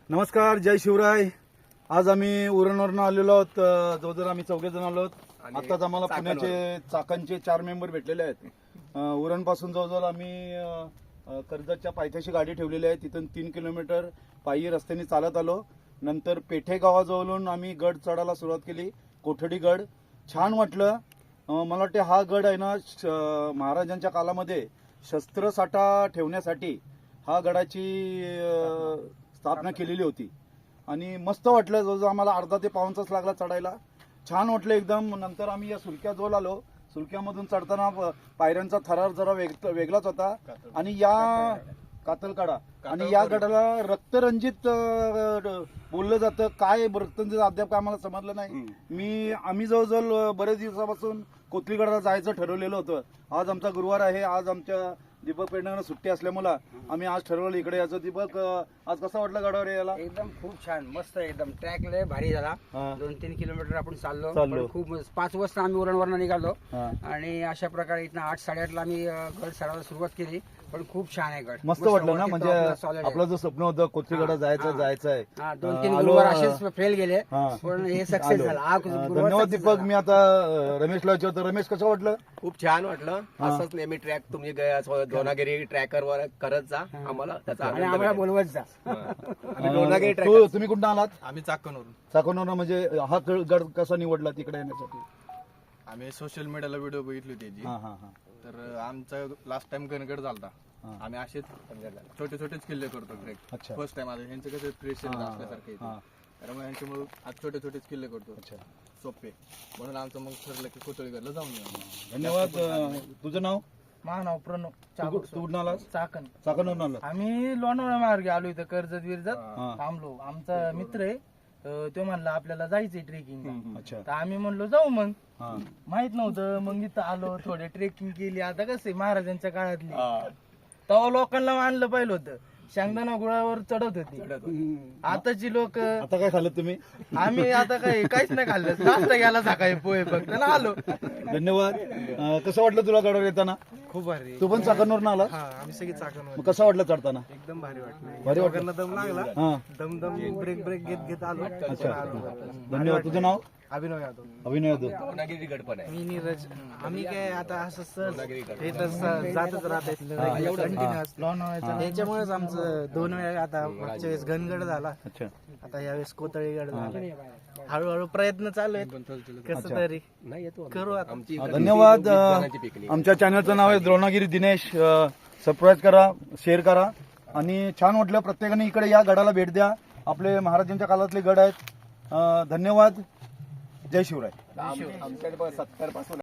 नमस्कार, जय शिवराय. आज आम्ही उरणवरून आलेलो आहोत. जवळजवळ आम्ही 4 जण आलो आहोत. आताच आम्हाला पुण्याचे चाकणचे 4 मेंबर भेटलेले आहेत. उरण पासून जवळजवळ आम्ही कर्जतच्या पायथ्याशी गाडी ठेवलेली आहे. तिथून 3 किलोमीटर पायी रस्त्याने चालत आलो. नंतर पेठे गावाजवळून आम्ही गड चढायला सुरुवात केली. कोठडी गड छान वाटलं. मला वाटते हा गड आहे ना, महाराजांच्या काळामध्ये शस्त्रसाठा ठेवण्यासाठी हा गडाची स्थापना केलेली होती आणि मस्त वाटलं. जवळजवळ आम्हाला अर्धा ते पाऊण तास लागला चढायला. छान वाटलं एकदम. नंतर आम्ही या सुलक्याजवळ आलो. सुलक्यामधून चढताना पायऱ्यांचा थरार जरा वेगळाच होता आणि या कातलकाडा आणि या गडाला रक्तरंजित बोललं जातं. काय रक्तरंजित अद्याप काय आम्हाला समजलं नाही. आम्ही जवळजवळ बरेच दिवसापासून कोथलीगडाला जायचं ठरवलेलं होतं. आज आमचा गुरुवार आहे. आज आमच्या दीपक पेडणेंना सुट्टी असल्यामुळे आम्ही आज ठरवलं इकडे यायचं. दीपक, आज कसा वाटला गडावर यायला? एकदम खूप छान, मस्त एकदम. ट्रॅक लय भारी झाला. 2-3 किलोमीटर आपण चाललो. पण खूप 5 वाजता आम्ही उरणवरून निघालो आणि अशा प्रकारे इथं 8-8:30 ला आम्ही गड चढायला सुरुवात केली. पण खूप छान आहे गड. मस्त वाटलं ना. म्हणजे आपलं जो स्वप्न होतं कोथलीगडा जायचं आहे. 2-3 गुरुवार असेच फेल गेले पण हे सक्सेस झाला. धन्यवाद दीपक. मी आता रमेशला विचारतो. रमेश, कसं वाटलं? खूप छान वाटलं. असंच नेहमी ट्रॅक तुम्ही दोनागिरी ट्रॅकर वर करत जा. आम्हाला त्याचा आणि आम्हाला बोलवत जा. दोनागिरी तुम्ही कुठं आलात? आम्ही चाकणवरून. चाकणवरून. म्हणजे हा गड कसा निवडला तिकडे येण्यासाठी? आम्ही सोशल मीडियाला व्हिडिओ बघितली त्याची. तर आमचा लास्ट टाइम गणगड झालता. आम्ही असेच छोटे छोटेच किल्ले करतो ट्रेक. फर्स्ट टाइम आता ह्यांचं कसं प्रेशर असल्यासारखे त्यामुळे ह्यांच्यामुळे आज छोटे छोटेच किल्ले करतो सोपे. म्हणून आमचं मग ठरलं की कोथळीगडला जाऊन येऊ. धन्यवाद. तुझं नाव? माझं नाव प्रणव. तू कुठून आलास? चाकण. चाकणवरून आला. आम्ही लोणावळा मार्गे आलो. इथं कर्जत विरजत थांबलो. आमचा मित्र आहे तो म्हणला आपल्याला जायचंय ट्रेकिंग. तर आम्ही म्हणलो जाऊ. मग माहित नव्हतं. मग इथं आलो, थोडे ट्रेकिंग केली. आता कसं आहे महाराजांच्या काळातली, तेव्हा लोकांना मानलं पाहिलं होतं. शेंगदाणा गुळावर चढत होती. आताची लोक. आता काय खाल्लं तुम्ही? आम्ही आता काहीच नाही खाल्लं. नाश्ता गेला सकाळी पोहे फक्त ना आलो. धन्यवाद. कसं वाटलं तुला गडावर येताना? खूप भारी. तू पण चाकणवरून आला? आम्ही सगळे चाकण. कसं वाटलं चढताना? एकदम भारी वाटलं. भारी वाटलं. दम लागला. दम ब्रेक घेत आलो. धन्यवाद. तुझं नाव? अभिनव यादव. अभिनय यादव. दोनागिरी गड पण आहे. मी नीरज. आम्ही काय आता असं सहज हे तर जातच राहते त्याच्यामुळेच आमचं 2 वेळा. आता मागच्या वेळेस घनगड झाला. आता यावेळेस कोथळीगड झाला. हळूहळू प्रयत्न चालू आहेत. कसं तरी करू आता. धन्यवाद. आमच्या चॅनलचं नाव आहे द्रोणागिरी दिनेश. सबस्क्राईब करा, शेअर करा आणि छान वाटलं. प्रत्येकाने इकडे या गडाला भेट द्या. आपले महाराजांच्या काळातले गड आहेत. धन्यवाद. जय शिवराय. आमच्याकडे 70 पासून